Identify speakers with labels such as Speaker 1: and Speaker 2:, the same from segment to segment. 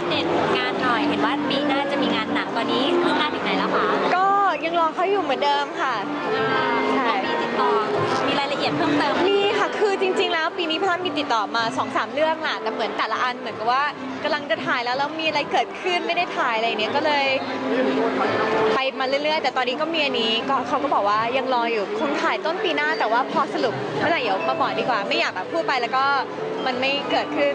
Speaker 1: เดตงานหน่อยเห็นว่าปีหน้าจะมีงานหนังตอนนี้คืบหน้าถึงไหนแล้วคะ
Speaker 2: ก็ยังรอเขาอยู่เหมือนเดิมค่ะ
Speaker 1: ใช่มีติดต่อมีรายละเอียดเพิ่มเติม
Speaker 2: มีค่ะคือจริงๆแล้วปีนี้พลันมีติดต่อมา 2-3 เรื่องแหละแต่เหมือนแต่ละอันเหมือนกับว่ากำลังจะถ่ายแล้วมีอะไรเกิดขึ้นไม่ได้ถ่ายอะไรเนี้ยก็เลยไปมาเรื่อยๆแต่ตอนนี้ก็มีอันนี้ก็เขาก็บอกว่ายังรออยู่คงถ่ายต้นปีหน้าแต่ว่าพอสรุปเมื่อไหร่เดี๋ยวมาบอกดีกว่าไม่อยากแบบพูดไปแล้วก็มันไม่เกิดขึ้น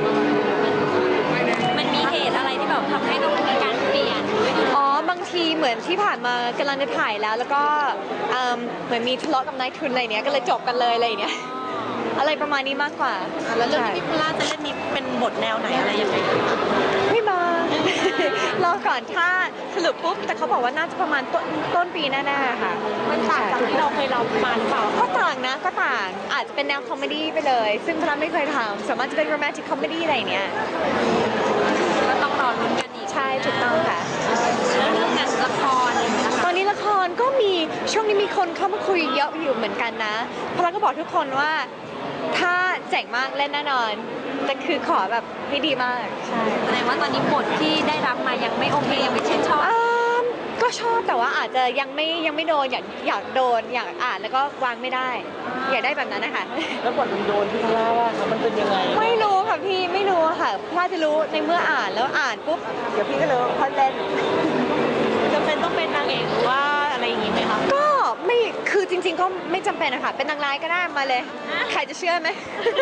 Speaker 1: มันมีเหตุอะไรที่แบบทำให้ต้องมีการเปลี่ยน
Speaker 2: บางทีเหมือนที่ผ่านมากำลังจะถ่ายแล้วก็เหมือนมีทะเลาะกับนายทุนอะไรเนี้ยก็เลยจบกันเลยอะไรเนี้ยอะไรประมาณนี้มากกว่า
Speaker 1: แล้วเรื่องที่พี่พลาจะเล่นนี้เป็นบทแนวไหนอะไรยังไง
Speaker 2: ไม่มารอก่อนถ้าสรุปปุ๊บแต่เขาบอกว่าน่าจะประมาณต้นปีแน่ๆค่ะ
Speaker 1: มันต่างจากที่เราเคยรับมาหรือเปล่า
Speaker 2: ก็ต่างนะก็ต่างอาจจะเป็นแนวคอมเมดี้ไปเลยซึ่งพลันไม่เคยทำสามารถจะเป็นโรแมนติกคอมเมดี้อะไรเนี้ย
Speaker 1: ก็ต้องรอลุ้นกันอีก
Speaker 2: ใช่ถูกต้องค่ะ
Speaker 1: แล้วเรื่องงานละครอะไรอย่างเงี้ย
Speaker 2: ตอนนี้ละครก็มีช่วงนี้มีคนเข้ามาคุยเยอะอยู่เหมือนกันนะพลันก็บอกทุกคนว่าถ้าเจ๋งมากเล่นแน่นอนแต่คือขอแบบให้ดีมากใช่
Speaker 1: แสดงว่าตอนนี้บทที่ได้รับมายังไม่โอเคยังไม่ชื่นชอบ
Speaker 2: ก็ชอบแต่ว่าอาจจะยังไม่โดนอยากโดนอยากอ่านแล้วก็วางไม่ได้อยากได้แบบนั้นนะคะ
Speaker 3: แล้วบทมันโดนที่พลาว่ามันเป็นยังไง
Speaker 2: ไม่รู้ค่ะพี่ไม่รู้ค่ะพลาจะรู้ในเมื่ออ่านแล้วอ่านปุ๊บเดี๋ยวพี่ก็รู้พลาเล่น
Speaker 1: จำเป็นต้องเป็นนางเอกหรือว่าอะไรอย่างงี้ไหมคะ
Speaker 2: ก็ไม่คือจริงๆก็ไม่จำเป็นนะคะเป็นนางร้ายก็ได้มาเลยใครจะเชื่อไหม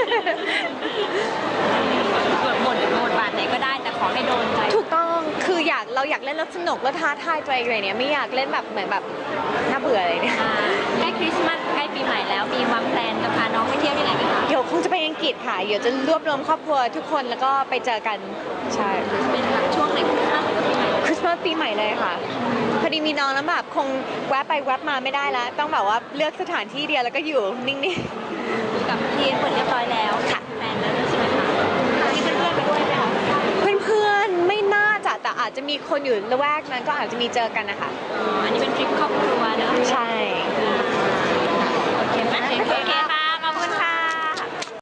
Speaker 1: บทบาทไหนก็ได้แต่ขอให้โดนใจ
Speaker 2: ถูกต้องคือเราอยากเล่นแล้วสนุกแล้วท้าทายตัวเองอะไรเนี้ยไม่อยากเล่นแบบเหมือนแบบน่าเบื่ออะไรเนี่ย
Speaker 1: ใกล้คริสต์มาสใกล้ปีใหม่แล้วมีวางแผนจะพาน้องไปเที่ยวที่ไหนไหมคะ
Speaker 2: เดี๋ยวคงจะไปอังกฤษค่ะเดี๋ยวจะรวบรวมครอบครัวทุกคนแล้วก็ไปเจอกันใช่
Speaker 1: เป็นแบบช่วงไหนคริสต์มาสหรือปีใหม่
Speaker 2: คริสต์มาสปีใหม่เลยค่ะพอดีมีน้องแล้วแบบคงแวะไปแวะมาไม่ได้แล้วต้องแบบว่าเลือกสถานที่เดียวแล้วก็อยู่นิ่ง
Speaker 1: ๆกับทีมเปิดเรียบร้อยแล้ว
Speaker 2: ค่ะ
Speaker 1: แฟนแล้วใช่ไหมคะมีเพื่อนๆไปด้วยไหมคะ
Speaker 2: เพื่อนๆไม่น่าจะแต่อาจจะมีคนอยู่ละแวกนั้นก็อาจจะมีเจอกันนะคะ
Speaker 1: อันนี้เป็นทริปครอบครัวเนอะ
Speaker 2: ใช่
Speaker 1: โอเคไหมโอเค